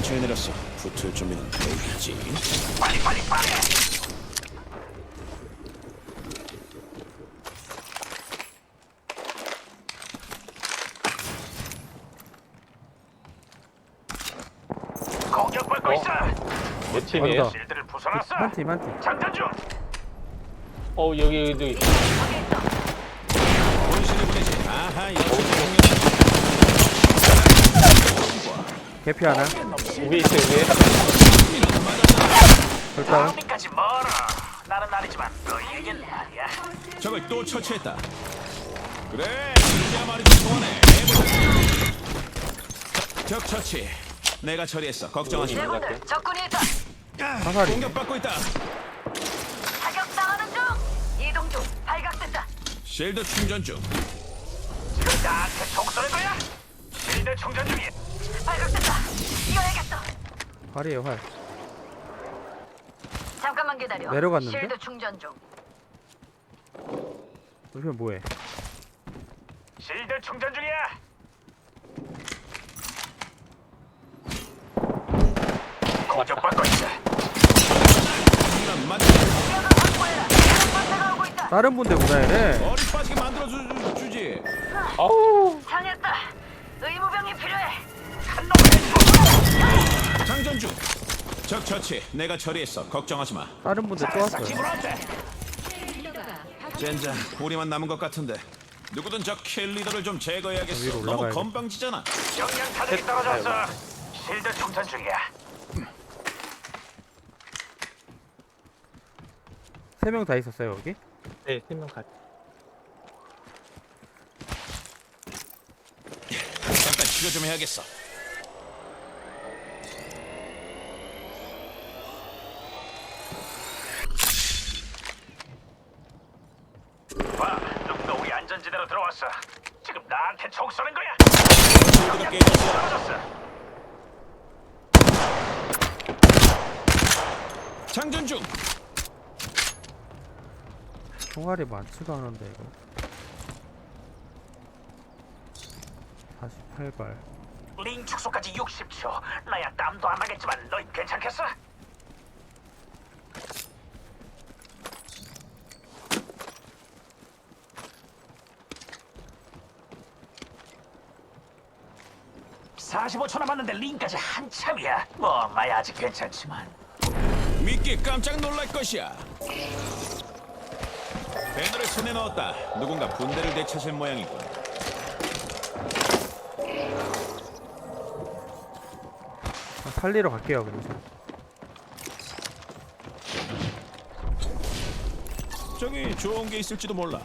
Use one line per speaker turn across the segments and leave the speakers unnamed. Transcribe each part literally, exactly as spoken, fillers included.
근처에 내렸어. 붙을 준비는 돼 있지.
빨리 빨리 빨리. 공격받고
어?
있어.
몇 팀이에요?
언더.
실드를 부숴놨어.
한 팀, 한 팀.
장전 중.
어 여기 여기
본신을 보내지. 아하, 역시
개피 하나.
위에 있어요 위에.
절단.
여기까지 멀어. 나는 아니지만 너희에겐 말이야.
적을 또 처치했다. 그래, 이제야 말이 좀 통하네. 해보자. 적 처치. 내가 처리했어. 걱정하지 마.
제군들 적군이 있다.
화살이.
공격받고 있다.
타격당하는 중. 이동 중. 발각됐다.
실드 충전 중.
지금 나한테 총 쏘는 거야? 실드 충전 중이야.
발각됐다. 이어야겠어.
활이에요, 활.
잠깐만 기다려.
내려갔는데?
실드 충전 중.
여기는 뭐해?
실드 충전 중이야. 공격받고 있어.
이런 맛
공격을 확보해라. 다른 번째가 오고 있다.
다른 분대구나, 얘네.
머리 빠지게 만들어 주, 주, 주지.
아우
상했다. 의무병이 필요해.
한 놈의
장전 중. 적 처치. 내가 처리했어. 걱정하지 마.
다른 분대 또 왔어요.
집으로 왔대.
젠장, 우리만 남은 것 같은데. 누구든 저 킬 리더를 좀 제거해야겠어.
위로
너무
올라가야겠다.
건방지잖아.
영양 타격이 떨어졌어. 실드 충전 중이야.
세 명 다 있었어요, 여기?
네 팀명 같이.
잠깐 치료 좀 해야겠어.
봐, 누군가 우리 안전지대로 들어왔어. 지금 나한테 총 쏘는 거야.
실드가 깨졌어.
떨어졌어.
장전 중.
총알이 많지도 않은데, 이거. 사십팔 발.
링 축소까지 육십 초. 나야 땀도 안 나겠지만 너희 괜찮겠어? 사십오 초 남았는데 링까지 한참이야. 뭐 나야 아직 괜찮지만.
믿기 깜짝 놀랄 것이야. 배너를 손에 넣었다. 누군가 분대를 되찾을 모양이군.
아, 살리러 갈게요, 그럼.
저기 좋은 게 있을지도 몰라.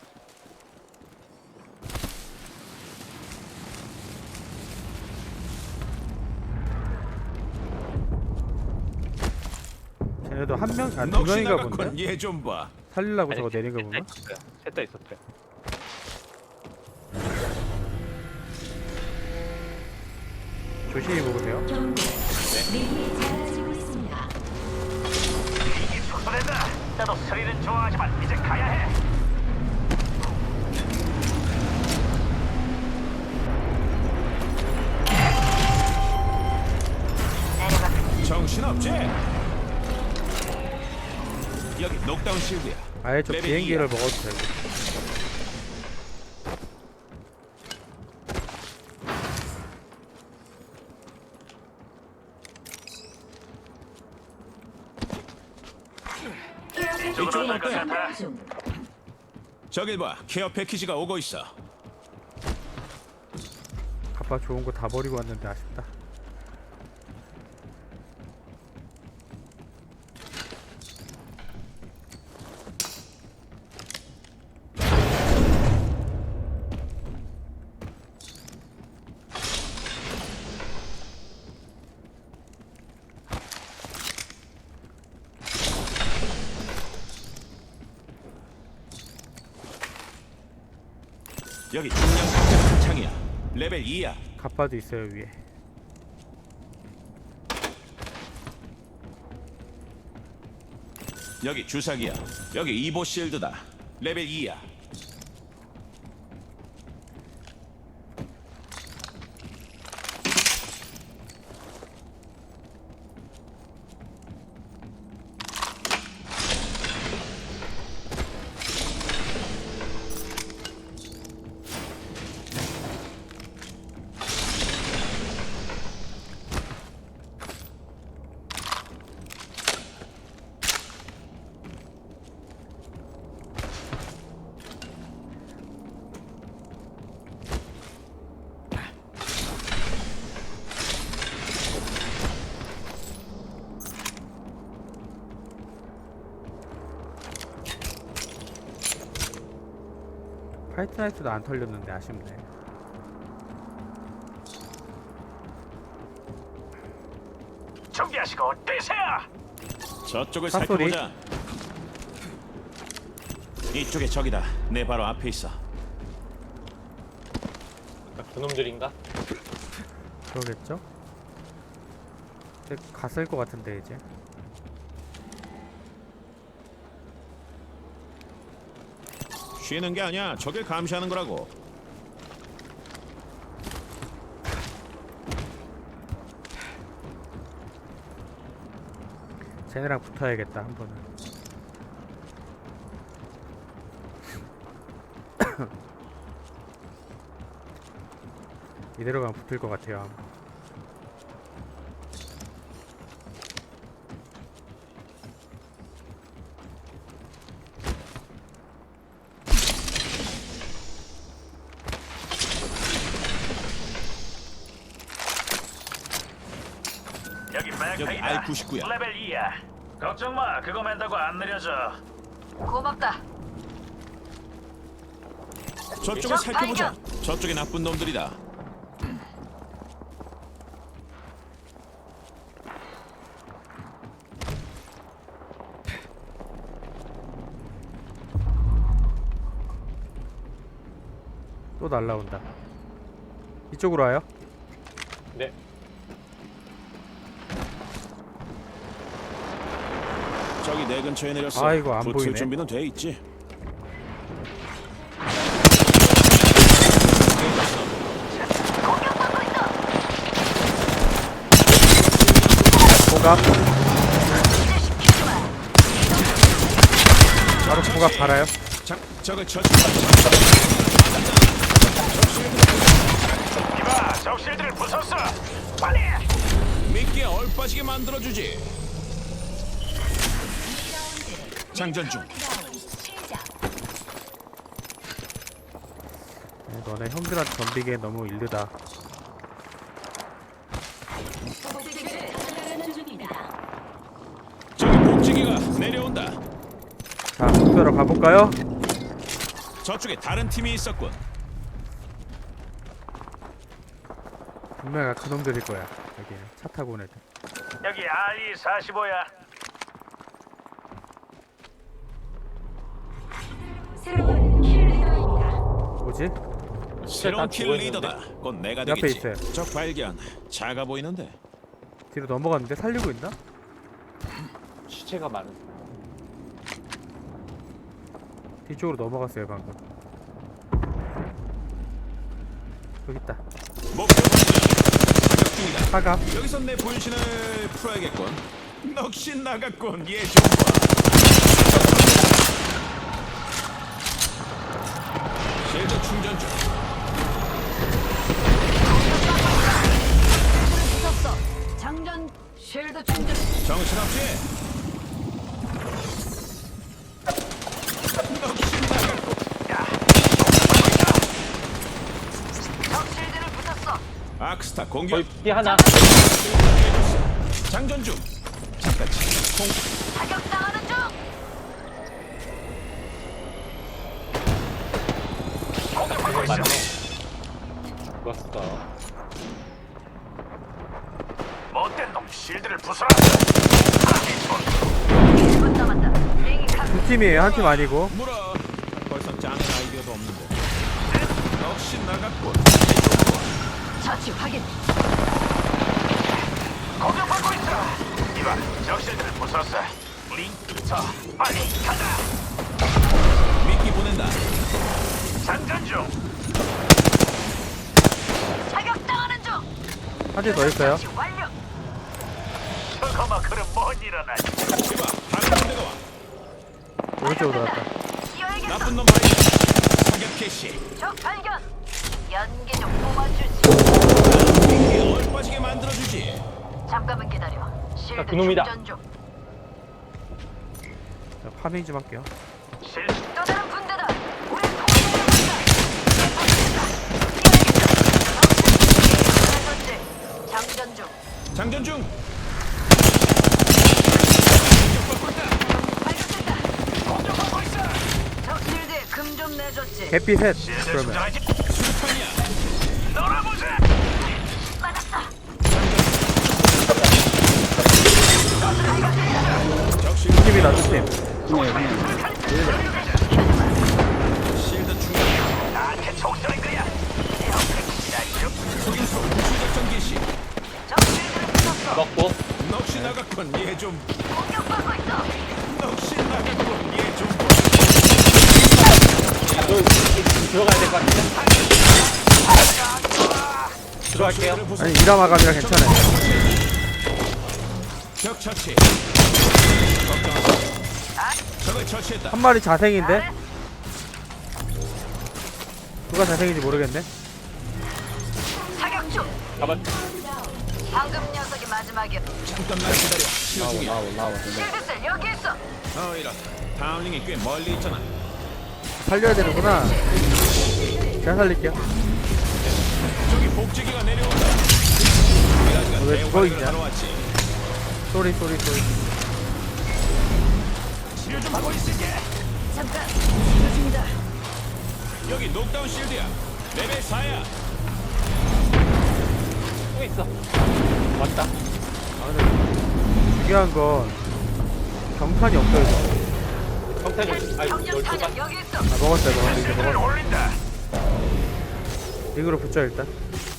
쟤네도 한 명, 아니 두
넋이
명인가
나갔군.
본데?
얘 좀 봐.
살리려고 저거 내린 거
셋다
보면?
있었어요. 셋다 있었어요.
조심히 먹으세요.
링이 축소된다. 나도 스릴은 좋아하지만 이제 가야 해.
내려가.
정신없지? 여기 녹다운 실드야.
아예 저
레벨
비행기를
이야.
먹어도 되고.
이쪽은
올것
어때?
같아.
저길 봐. 케어 패키지가 오고 있어.
아빠 좋은 거 다 버리고 왔는데 아쉽다.
여기 중량 상태 한창이야. 레벨 이야.
갑바도 있어요, 위에.
여기 주사기야. 여기 이보 실드다. 레벨 이야.
화이트나이트도 안 털렸는데 아쉽네.
준비하시고 뛰세요.
저쪽을
殺소리.
살펴보자. 이쪽에 적이다. 내 바로 앞에 있어.
그러니까 그놈들인가?
그러겠죠? 근데 갔을 것 같은데 이제.
쉬는 게 아니야. 적을 감시하는 거라고.
쟤네랑 붙어야겠다 한 번은. 이대로 가면 붙을 것 같아요 아마.
여기
여기
백팩이다.
알 구십구야.
레벨 이야. 걱정 마. 그거 맨다고 안 느려져.
고맙다.
저쪽을
적
살펴보자.
발견.
저쪽에 나쁜 놈들이다.
또 날라온다. 이쪽으로 와요?
네.
저기 내 근처에 내렸어.
아이고, 안
붙을
보이네.
준비는 돼 있지.
공격받고 있어.
고갑.
이제 시키지 마.
바로 고갑 갈아요.
자, 적을 저
이봐, 적실들을 부쉈어. 빨리.
미끼에 얼빠지게 만들어주지. 장전 중.
네, 너네 형들한테 덤비기엔 너무 일르다.
저기 복지기가 내려온다.
자, 숙소로 가볼까요?
저쪽에 다른 팀이 있었군.
분명히 그놈들일 거야. 여기 차 타고 온 애들.
여기 알이 사십오야.
뭐지?
새로운
다
킬
죽어
리더다. 곧 내가
옆에
되겠지.
있어요.
적 발견. 작아 보이는데.
뒤로 넘어갔는데 살리고 있나?
시체가 많은.
뒤쪽으로 넘어갔어요 방금. 여기 있다.
목표 발견. 사격 중이다.
사갑.
여기서 내 분신을 풀어야겠군. 넋이 나갔군. 얘 좀 봐. 실드 충전 중.
부쉈어. 장전 쉴드 충전.
정신없지? 넋이 나갔군.
적 쉴드를 부쉈어.
아크스타 공격.
거의 피 하나.
장전 중. 잠깐. 공.
사격당하는 중.
공격받고 있어.
맞네. 죽었어.
못된 놈 실드를 부숴라.
일 분 남았다. 비행기 카.
두 팀이에요. 한 팀 아니고.
물어. 벌써 짱은 아이디어도 없는데. 넋이 나갔군.
처치 확인.
공격받고 있어. 이봐, 적실들을 부쉈어. 링크 쳐. 빨리 가자.
미끼 보낸다.
장전 중.
사격당하는 중.
한 팀 더 있어요.
처치 완료.
저거만 그럼 못 일어나지.
이봐. 다른 군대가 와.
오른쪽으로 돌았다.
나쁜
뛰어야겠어.
놈 발견. 사격 개시.
적 발견. 연기 좀 뽑아주지.
미끼에 얼빠지게 만들어주지.
잠깐만 기다려. 실드
아, 그놈이다.
충전 중.
자, 파밍 좀 할게요.
실
또 다른 군대다. 우리 통일을 한다. 뛰어야겠다. 장전 중.
장전 중.
발견됐다.
공격받고 있어.
적 실드에 금 좀 내줬지.
개피 셋.
실드
그러면
충전하지.
수류탄이야.
놀아보자.
맞았다.
적실
팀이다 두 팀.
실드 충전.
나한테 총 쏘는 거야.
소인수 무수작전 개시.
적실들을 붙었어.
먹고
넋이 나갔군. 얘 좀.
공격받고 있어.
넋이 나갔군. 얘 좀.
너 들어가야 될 것 같은데? 들어갈게요.
적실들을 부숴.
아니 이라마감이라 괜찮아요.
적 처치. 걱정하지 마. 적을 처치했다.
한 마리 자생인데? 누가 자생인지 모르겠네.
사격 중.
가만.
방금 녀석이 마지막이야.
잠깐만 기다려. 치료 중이야.
실드셀 여기 있어.
어 이렇다. 다음 링이 꽤 멀리 있잖아.
살려야 되는구나. 제가 살릴게요.
저기 복지기가 내려온다. 미라지가
왜
대우관을
죽어 있냐?
하러 왔지.
쏘리 쏘리 쏘리.
치료 좀 하고 있을게.
잠깐. 치료 중이다.
여기 녹다운 실드야. 레벨 사야.
또 있어. 맞다.
아 근데 중요한 건 경탄이 없어요.
성탄이 아니
경력
열두
타격
발.
여기 있어.
아 먹었어요 먹었어요 이제
실드를
먹었어.
올린다.
링으로 붙여 일단.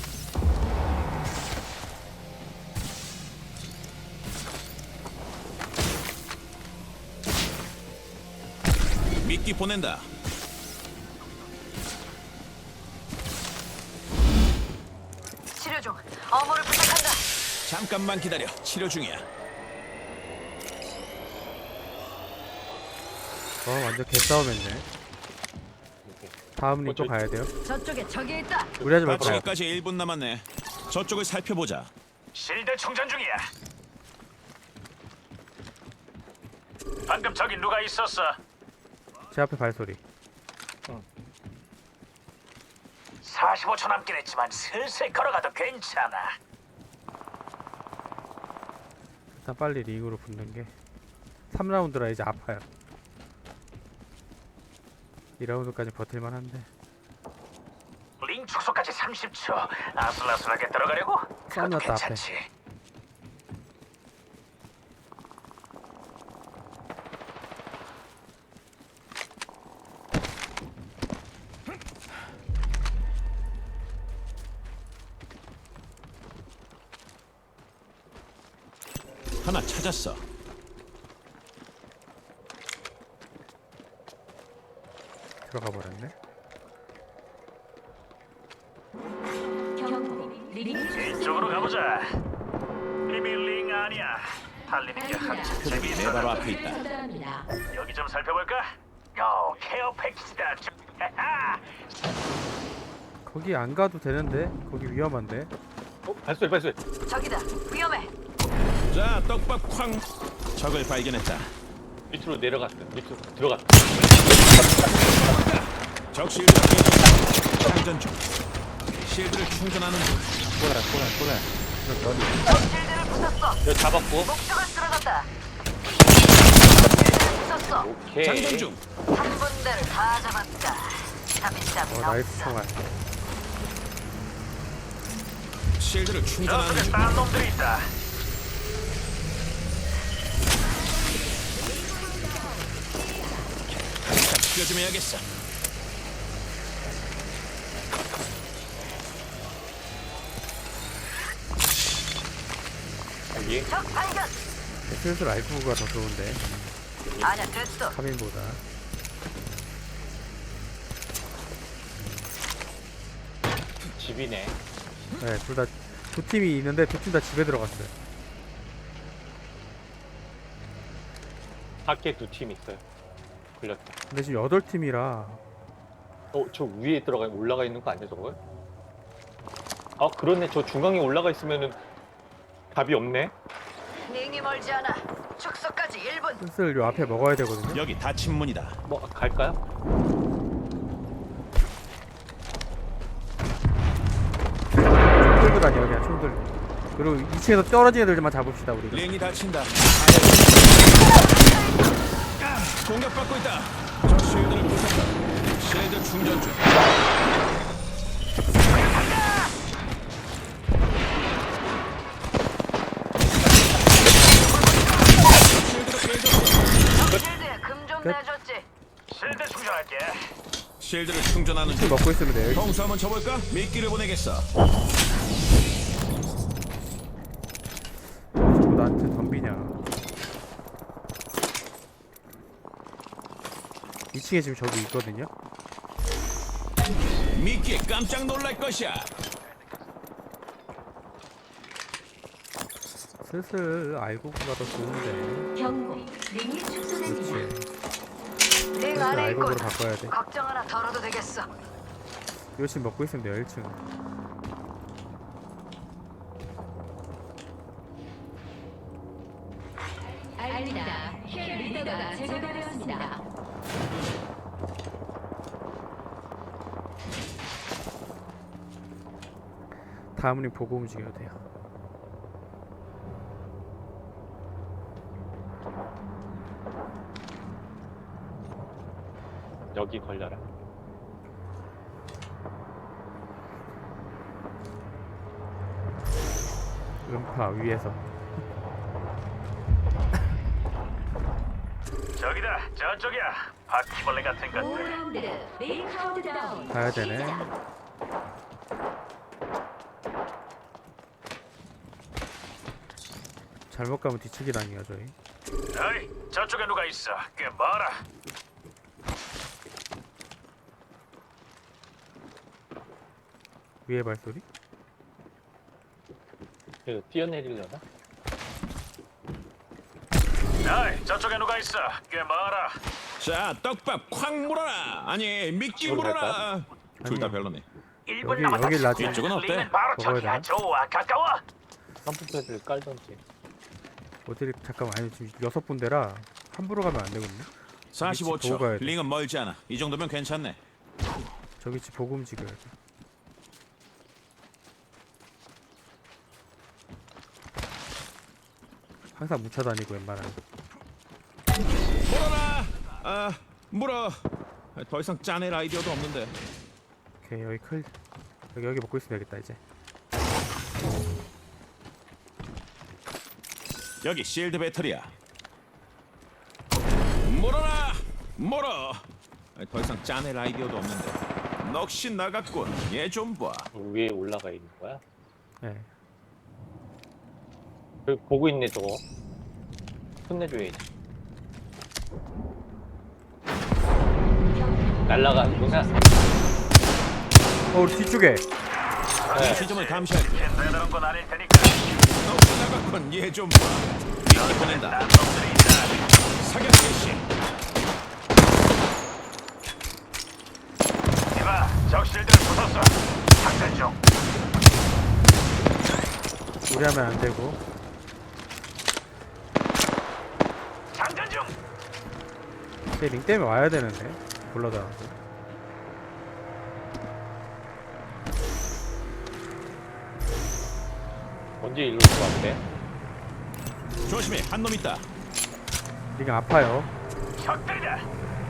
미끼 보낸다.
치료 중. 어머를 부탁한다.
잠깐만 기다려. 치료 중이야.
어 완전 개싸움했네. 다음 링 또
어, 저-
가야 돼요.
저쪽에 적이 있다.
무리하지 말고 가요.
마치기까지 일 분 남았네. 저쪽을 살펴보자.
실드 충전 중이야. 방금 저기 누가 있었어?
제 앞에 발소리.
사십오 초 남긴 했지만 슬슬 걸어가도 괜찮아.
일단 빨리 링으로 붙는 게 삼 라운드라 이제 아파요. 이 라운드까지 버틸만 한데
링 축소까지 삼십 초. 아슬아슬하게 들어가려고? 그것도
썸났다, 앞에.
괜찮지.
하나 찾았어.
들어가 버렸네.
이쪽으로 가보자. 이미 링 아니야. 달리는 게 한참
내
재미있어.
바로 앞에 있다.
여기 좀 살펴볼까? 어, 케어 패키지다. 하하.
거기 안 가도 되는데 거기 위험한데.
어, 발소리 발소리.
저기다. 위험해.
자, 떡밥 쾅. 적을 발견했다.
밑으로 내려갔어. 밑으로 들어갔어.
적 실드가 깨졌다. 장전 중. 실드를 충전하는 중.
꼬라 꼬라 꼬라.
적실들을 부쉈어.
여기 잡았고.
목표가 쓰러졌다. 실드를 부쉈어.
오케이.
장전 중.
한 군데를 다 잡았다. 잡이잡이
어 나이스 총알.
실드를 충전하는
저쪽에
중.
딴 놈들이 있다.
잠깐 치료 좀 해야겠어.
여기.
적 발견.
슬슬 라이프가 더 좋은데
아니야 됐어.
카빈보다.
집이네.
네, 둘 다 두 팀이 있는데 두 팀 다 집에 들어갔어요.
밖에 두 팀 있어요. 걸렸다.
근데 지금 여덟 팀이라
어, 저 위에 들어가 올라가 있는 거 아니야, 저거? 아, 그렇네. 저 중앙에 올라가 있으면은 답이 없네.
링이 멀지 않아. 축소까지 일 분.
슬슬 요 앞에 먹어야 되거든요.
여기 닫힌 문이다.
뭐 갈까요?
총들 아니야 그냥 총들. 그리고 이 층에서 떨어진 애들만 잡읍시다 우리가.
링이 닫힌다. 아, 공격받고 있다. 적 실드를 부쉈다. 충전 중.
실드에 금 좀
끝.
내줬지.
실드 충전할게.
실드를 충전하는
술
중.
먹고 있으면 돼요.
통수 한번 쳐볼까? 미끼를 보내겠어.
자꾸 나한테 덤비냐. 이 층에 지금 저기 있거든요.
미끼에 깜짝 놀랄 것이야.
슬슬 알고 가도 좋은데.
경고. 링이 축소됩니다.
그렇지.
링
슬슬
안에
알고으로
있군.
바꿔야 돼.
걱정 하나 덜어도 되겠어.
이거 지금 먹고 있으면 돼요. 일 층.
알립니다. 힐 리더가 제거되었습니다.
다음은 보고 움직여야 돼요.
여기 걸려라.
음파 위에서.
저기다, 저쪽이야. 바퀴벌레 같은 것들.
오 라운드 메인 카운트다운.
가야 되네. 잘못 가면 뒤치기 당해요 저희.
어이, 저쪽에 누가 있어? 꽤 멀어.
위에 발소리?
그 뛰어내리려나?
어이, 저쪽에 누가 있어? 꽤 멀어.
자, 떡밥 콱 물어라. 아니, 미끼
저기로
물어라. 둘 다
아니요.
별로네.
일 분
여기-
남았다.
여기 놔줘.
이쪽은 어때?
링은 바로
먹어야
저기야.
되나?
좋아, 가까워.
점프패드를 깔던지.
어디를 잠깐만 아니 지금 여섯 군데라 함부로 가면 안 되거든요.
사십오
위치 보고 가야
초.
돼.
링은 멀지 않아. 이 정도면 괜찮네.
저기 집 보고 움직여야 돼. 항상 묻혀 다니고 웬만하면.
물어라. 아, 물어. 더 이상 짜낼 아이디어도 없는데.
오케이 여기 클 여기 여기 먹고 있으면 되겠다 이제.
여기 실드 배터리야. 물어라. 물어. 더 이상 짜낼 아이디어도 없는데. 넋이 나갔군. 얘 좀 봐.
위에 올라가 있는 거야?
네.
여기 보고 있네 저거. 혼내줘야지. 날라가는구나.
어 우리 뒤쪽에.
네.
시점을 감시할게.
대단한 건 아닐 테니까.
넋이 나갔군. 얘 좀 봐. 미끼 보낸다.
남성들이 있다.
사격 개시.
이봐, 적 실드를 부쉈어. 작전 중.
우리 하면 안 되고.
장전 중.
쟤 링 때문에 와야 되는데. 불러다.
언제 일로 들어왔대?
조심해. 한 놈 있다.
링 아파요.
적들이다.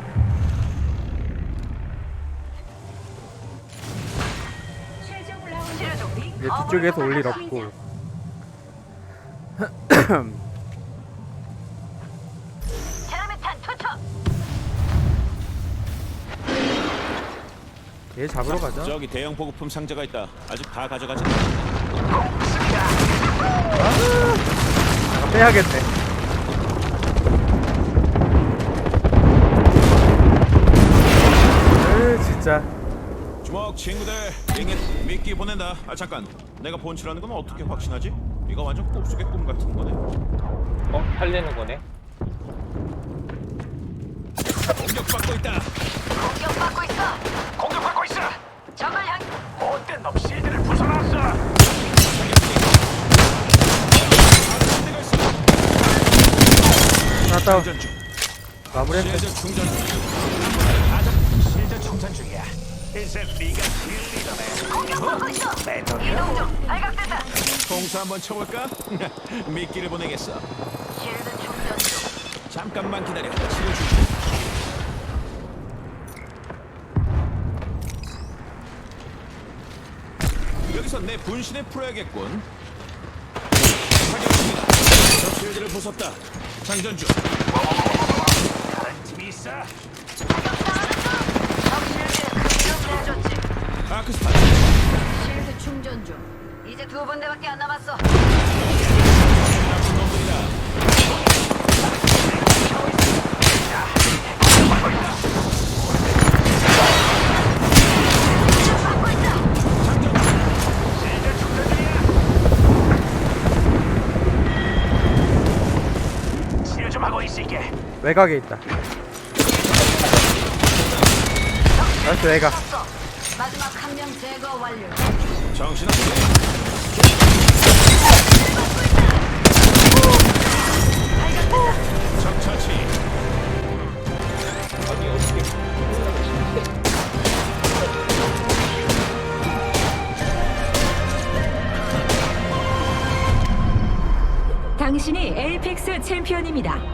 최종 라운드
실드.
링
이제 뒤쪽에서 올 일 없고.
테라메탄 투척.
얘 잡으러 가자.
저기 대형 보급품 상자가 있다. 아직 다 가져가지.
잠깐 빼야겠네. 으 진짜.
주먹 친구들. 링에 미끼 보낸다. 아 잠깐. 내가 본치라는 건 어떻게 확신하지? 이거 완전 꿈속의 꿈 같은 거네.
어? 살리는 거네?
공격받고 있다.
공격받고 있어.
공격받고 있어.
적을 향.
못된 놈 실드를 부숴놨어.
하나 다운.
충전 중.
마무리했어.
실드 충전 중.
실드 충전 중이야. 이제 네가 실리더네.
공격받고 있어.
배터리야.
이동 중. 발각됐다.
통수 한번 쳐볼까? 미끼를 보내겠어.
실드 충전 중.
잠깐만 기다려. 치료 중. 여기서 내 분신에 풀어야겠군. 사격 중이다. 저 실드를 부쉈다. 장전 중.
다른 팀이 있어.
아크스타.
실드 충전 중. 이제 두 분대밖에 안 남았어.
나쁜 놈들이다.
실드 충전 중이야. 치료 좀 하고 있을게.
외곽에 있다. 나이스 외곽.
마지막 한 명 제거 완료.
정신없게. 적 처치.
아니 어떻게
당신이 에이펙스 챔피언입니다.